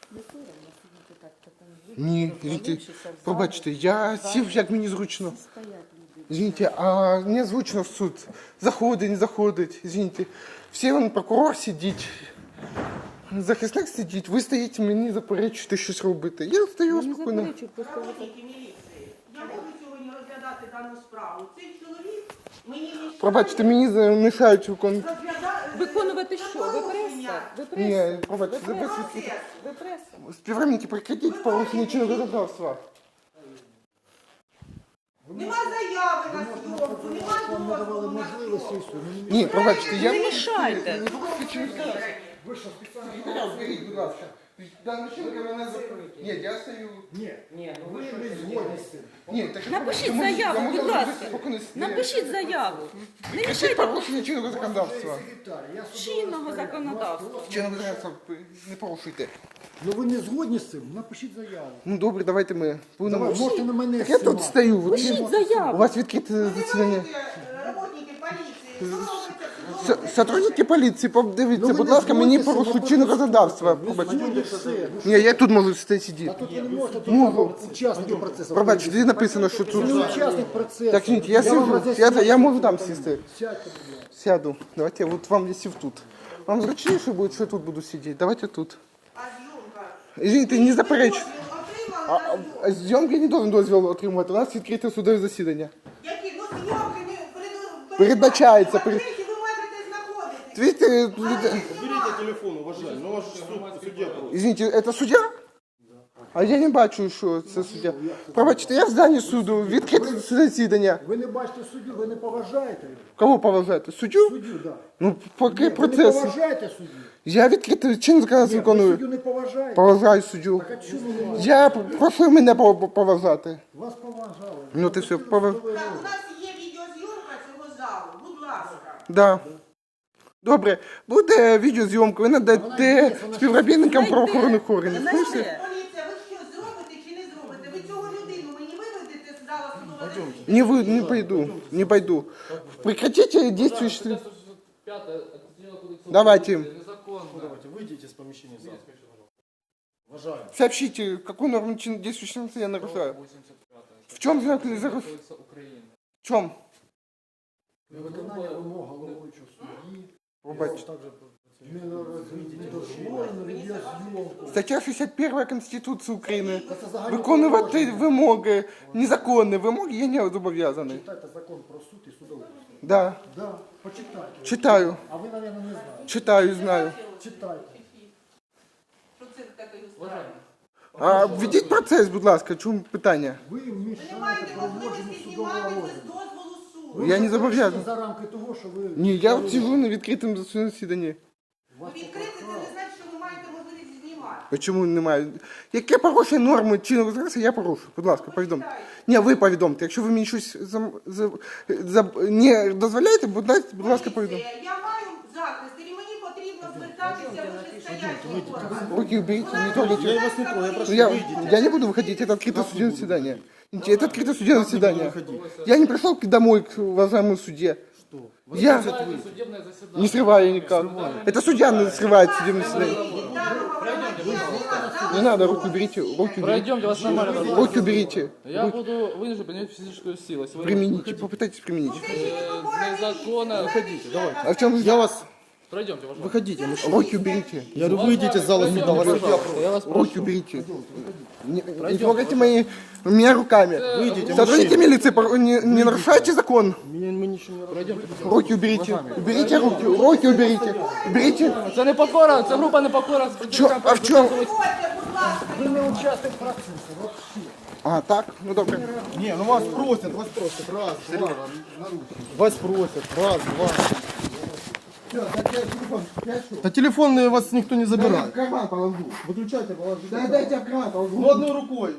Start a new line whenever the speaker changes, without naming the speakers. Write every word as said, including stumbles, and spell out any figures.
Ні, извините, пробачте, я сів, як мені зручно. Извините, а не зручно в суд. Заходить, не заходить, извините. Всі вон прокурор сидить, захисник сидить, ви стоїте, мені заперечуєте щось робити. Я стою спокійно.
Работники міліції, я можу сьогодні розглядати дану справу. Цей чоловік мені мішає...
Пробачте, мені мішають виконувати.
Виконувати що? Ви преса? Ви преса?
Ні, пробачте,
Ви
ви
преса?
свідки.
Ви преса?
Співробітники, прекратіть порушення чинного законодавства.
Нема заяви на зйомку, нема дозволу на зйомку.
Ні, пробачте, я...
Не мішайте.
Ви що, спеціально зберіть, будь ласка. Дана жінка мене закрить. Ні, я стою...
Ні,
Ні, ну
ви
ви
не
що?
згодні з цим.
Ні, так...
Напишіть
я можу- я
заяву,
можу
будь
зробити
ласка.
спокійно.
Напишіть заяву. Не
Прекратіть
мішайте
порушення чинного законодавства.
Секретар, я судовий
чинного
розпорядник.
законодавства.
Чинного законодавства не порушуйте.
Ну ви не згодні з цим? Напишіть заяву.
Ну добре, давайте ми будемо...
Давай, можете на мене
Так я тут
знімати.
стою. ви-
Пишіть
У
заяву.
вас відкрите засідання.
Работники поліції, що робиться в
С-
судовому
Сотрудники поліції, подивіться,
Ну, ви
будь
не
ласка, мені
згодні з цим,
порушують
ви
чинне
просто
законодавство.
Ви
Пробачте.
згодні все. Ну,
Ні, я тут можу сидіти
А
сидіти.
тут ви не можете, тут
Можу.
учасники процесу.
Пробачте, де написано, що
Ви
тут...
не учасник процесу.
Так, ні, я
вам
сижу,
роз'ясню.
я, я можу там сісти.
Сядьте, будь ласка.
Сяду. Давайте, вот вам я сів тут. Вам зручніше буде, що я тут буду сидіти? Давайте тут.
А зйомка?
Извините, не заперечу.
Дозвіл
А,
отримали на
а,
зйомку?
а зйомки не должен дозвіл отримувати. У нас відкрите судове засідання.
Які? Ну зйомки не перед-
Передбачається,
В
перед-
відкритті ви маєте знаходитись.
Видите,
Уберите телефон, уважаемый, ну ваш суд, судья просто.
извините, це суддя? А я не бачу, що це суддя. Пробачте, я в зданні суду, відкрите засідання.
Ви не бачите суддю, ви не поважаєте його.
Кого поважаєте? Суддю?
Суддю, так.
Ну, поки
Ви не
процес.
поважаєте суддю.
Я відкрите чинне законодавство
Ні, ви суддю
виконую.
не поважаєте.
Поважаю суддю.
Так а чому ви не
Я прошу мене пов- поважати.
Вас поважали.
Ну ти все, поваж...
Так, у нас є відеозйомка цього залу. Будь ласка.
Да. Добре, буде відеозйомка, ви надаєте співробітникам правоохоронних органів. Ну, все.
Поліція, ви що, зробите чи не зробите? Ви цього людину мені виведете з зала судового засідання?
Не вы, не пойду, не пойду. Прекратите действующие... Давайте,
Давайте, выйдите из помещения зала. Уважаемый.
сообщите, какую норму чин- действующего я нарушаю. В чем знак нарушаю? В чем?
Виконання вимог головуючого судді.
Пробачте.
Також не дозволено відеозйомку.
Стаття шістдесят перша Конституції України.
Це загальне
Виконувати
положення.
вимоги, незаконні вимоги я не зобов'язаний.
Читайте закон про суд і судовий.
Да,
Да, почитайте.
читаю,
А ви, мабуть, не знаєте.
читаю, знаю.
Читайте.
Що це таке справа?
А введіть процес, будь ласка, чому питання?
Ви
Ви не
мішаєте
маєте
проводженню
можливості
судового
знімати без
розгляду.
дозволу суду.
Ви
Я не
виходите
зобов'язаний.
за рамки того, що ви...
Ні, я от сижу на відкритому засіданні.
Ви відкрите, це не значить, що ви маєте можливість знімати.
Чому немає? Яке порушення норми чинного законодавства, я порушу. Будь ласка, повідомте. Ні, ви повідомте. Якщо ви мені щось зам- за- за- не дозволяєте, будь ласка, будь ласка, повідомте.
Поліція, я маю захист, і мені потрібно звертатися вищестоящим органам.
Руки уберите, не трогайте.
Я вас не трогаю, я прошу,
Ну, я,
выйдите.
я не буду выходить, это открытое судебное заседание. Это открытое судебное заседание. Я не пришел к- домой к уважаемому судье. Я не срываю никак. Это судья срывает судебное заседание. Не надо, руки уберите, руки уберите.
Пройдемте, вас нормально.
Руки уберите.
Я буду вынужден применять физическую силу. Если вы
Примените, попытайтесь применить.
э, незаконно уходите. Давайте.
А в чем
Я вас...
Пройдемте, уважаемый.
Выходите, мужчина.
руки уберите?
Я говорю, выйдите из зала суда, вас
Я вас прошу.
Руки уберите. Не, не трогайте мои, меня руками.
Выйдите,
Сотрудники милиции, пор- не, не нарушайте закон.
Меня, мы ничего не
Пройдемте.
Руки уберите. Уберите руки. Руки уберите. Уберите.
Це не покора, це група не покора.
Чо, а в чем?
Ходьте, будь ласка.
Ви не учасник процесу. Вообще.
А, так? Ну добре.
Не, ну вас просят, вас просят. Раз, два. Вас просят. Раз, два. Да телефон вас никто не
В
забирает.
карман положу.
Выключайте, положите.
Да дайте в карман положу.
Ну одной рукой.